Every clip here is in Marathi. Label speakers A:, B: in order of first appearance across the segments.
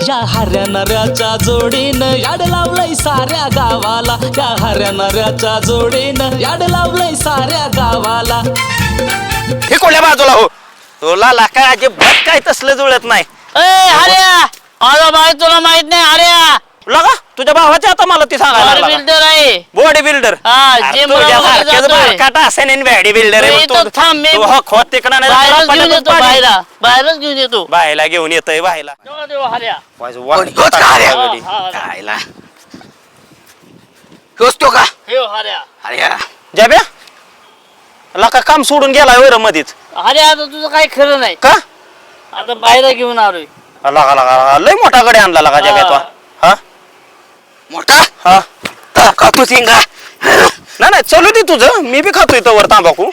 A: या हऱ्या नऱ्याच्या जोडीनं याड लावलंय साऱ्या गावाला, या हऱ्या नऱ्याच्या जोडीनं याड लावलंय साऱ्या गावाला.
B: हे कोण्या बाजूला हो, तुला लाका अजिबात काय तसलं जुळत नाही.
C: अरे माझा भाई तुला माहित नाही. अरे
B: लगा तुझ्या भावाच्या आता मला ती सांगायला
C: बिल्डर आहे.
B: बॉडी बिल्डर बॉडी बिल्डर
C: बाहेरच घेऊन येतो.
B: बायला घेऊन येतोय बायला जाब्या लका काम सोडून गेलाय वर मध्येच.
C: अरे आता तुझं काही खरं नाही
B: का
C: आता बाहेर घेऊन आलोय.
B: लगा लगा लय मोठा कडे आणला लगा जाब्या तो. हा मोठा हा खातो सिंगा नाही नाही चलू दे तुझं, मी बी खातोय तवर तांबाखू.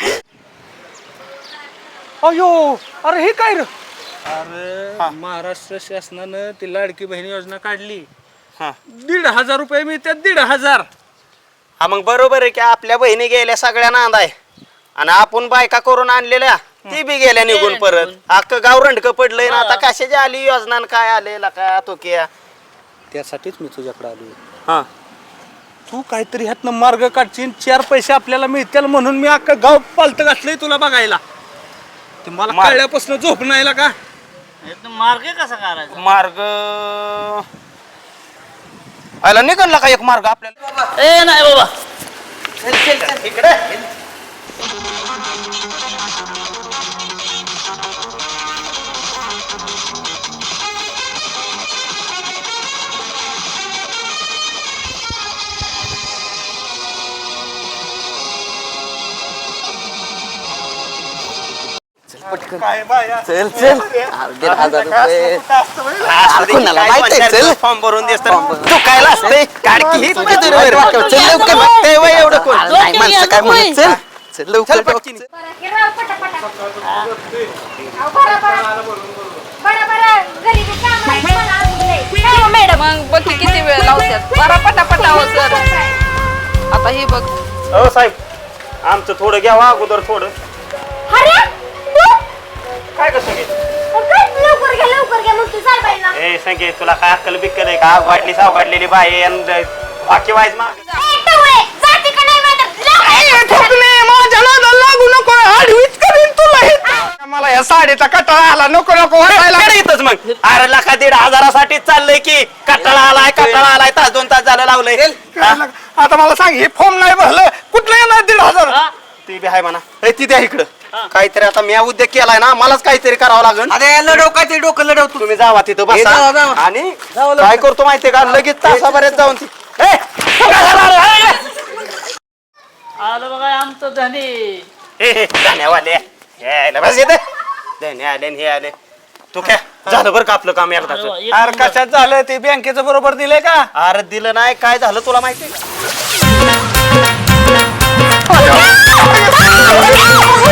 D: अयो अरे हे काय रे? अरे महाराष्ट्र शासनानं ती लाडकी बहीण योजना काढली. 1,500 रुपये मिळतात. 1,500.
B: हा मग बरोबर आहे की आपल्या बहिणी गेल्या सगळ्या नांदाय आणि आपण बायका करून आणलेल्या ती बी गेल्या निघून परत. अख्खं गाव रंडक पडलंय ना आता. कशाची आली योजना काय आलेला काय तो किया.
D: त्यासाठीच मी तुझ्याकडे आलो.
B: हा
D: तू काहीतरी ह्यातनं मार्ग काढशील, 4 पैसे आपल्याला मिळतील म्हणून मी अख्खं गाव पालत घातलंय तुला बघायला. ते मला कळल्यापासून झोप नाही का.
C: मार्ग कसा करायचा?
B: मार्ग आला निघाला का एक मार्ग आपल्याला.
C: ए नाही बाबा
B: इकडे
D: काय बाया
B: चल चल 1,500 रुपये फॉर्म भरून देस तू कायला असते काढकी हीच माहिती रे. चल लवकर बघते वय एवढं कोण नाही माणसं काय म्हणत. चल चल लवकर पटकन.
E: मॅडम मग बघ किती वेळ लावतात. बरा पटापटा हो सर. आता हे बघ.
B: हो साहेब आमचं थोडं घ्यावा अगोदर थोडं. काय कसं घे ए संगे तुला काय अक्कल बिक्कल आहे का. वाटली साव काढलेली बाई आणि बाकी वाईज माग लागू नको. आडवीच करीन तुला.
D: मला या साडीचा कटाळा आला. नको नको
B: येतच मग. अरे लाखा 1,500साठी चाललंय की. कटाळा आलाय तास 2 तास झालं लावलंय.
D: आता मला सांग हे फॉर्म नाही भरलं कुठलं येणार 1,500.
B: ती बी आहे म्हणा. ती द्या इकडं काहीतरी. आता मी उद्योग केलाय ना मलाच काहीतरी करावं लागेल.
D: लढव काहीतरी डोकं लढव.
B: तुम्ही जावा तिथं बसा आणि काय करतो माहितीये का लगेच तासाभरात जाऊन ती
C: आलं बघा आमचं धनी.
B: धन्यवाले बस येते धन्य आले हे आले. तू काय झालं बरं का आपलं काम एकदा.
D: अरे कशात झालं ते बँकेचं बरोबर दिलंय का.
B: अरे दिलं नाही काय झालं तुला माहितीये का.